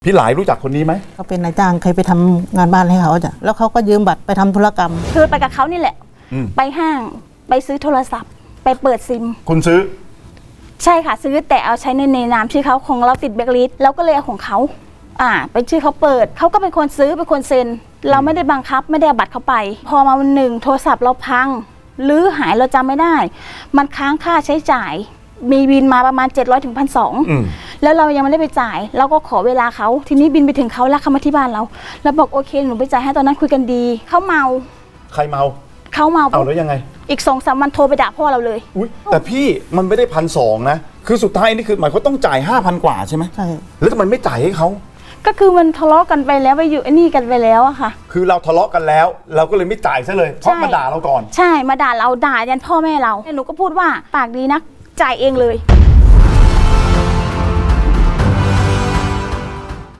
พี่หลายรู้จักคนนี้ไหมเขาเป็นนายจ้างเคยไปทำงานบ้านให้เขาจ้ะแล้วเขาก็ยืมบัตรไปทำธุรกรรมคือไปกับเขานี่แหละไปห้างไปซื้อโทรศัพท์ไปเปิดซิมคุณซื้อใช่ค่ะซื้อแต่เอาใช้ในนามชื่อเขาของเราติดแบล็คลิสต์เราก็เลยเอาของเขาเป็นชื่อเขาเปิดเขาก็เป็นคนซื้อเป็นคนเซ็นเราไม่ได้บังคับไม่ได้เอาบัตรเขาไปพอมาวันหนึ่งโทรศัพท์เราพังหรือหายเราจำไม่ได้มันค้างค่าใช้จ่ายมีบินมาประมาณ700 ถึง 1,200แล้วเรายังไม่ได้ไปจ่ายเราก็ขอเวลาเขาทีนี้บินไปถึงเขาแล้วเขามาที่บ้านเราแล้วบอกโอเคหนูไปจ่ายให้ตอนนั้นคุยกันดีเขาเมาใครเมาเขาเมาเอาแล้วยังไงอีก2-3 วันโทรไปด่าพ่อเราเลยอุ๊ยแต่พี่มันไม่ได้1,200นะคือสุดท้ายนี่คือหมายเขาต้องจ่าย5,000 กว่าใช่ไหมใช่แล้วทำไมไม่จ่ายให้เขาก็คือมันทะเลาะกันไปแล้วไปอยู่ไอ้นี่กันไปแล้วอะค่ะคือเราทะเลาะกันแล้วเราก็เลยไม่จ่ายซะเลยเพราะมาด่าเราก่อนใช่มาด่าเราด่ายันพ่อแม่เราหนูก็พูดว่าปากดีนักจ่ายเองเลย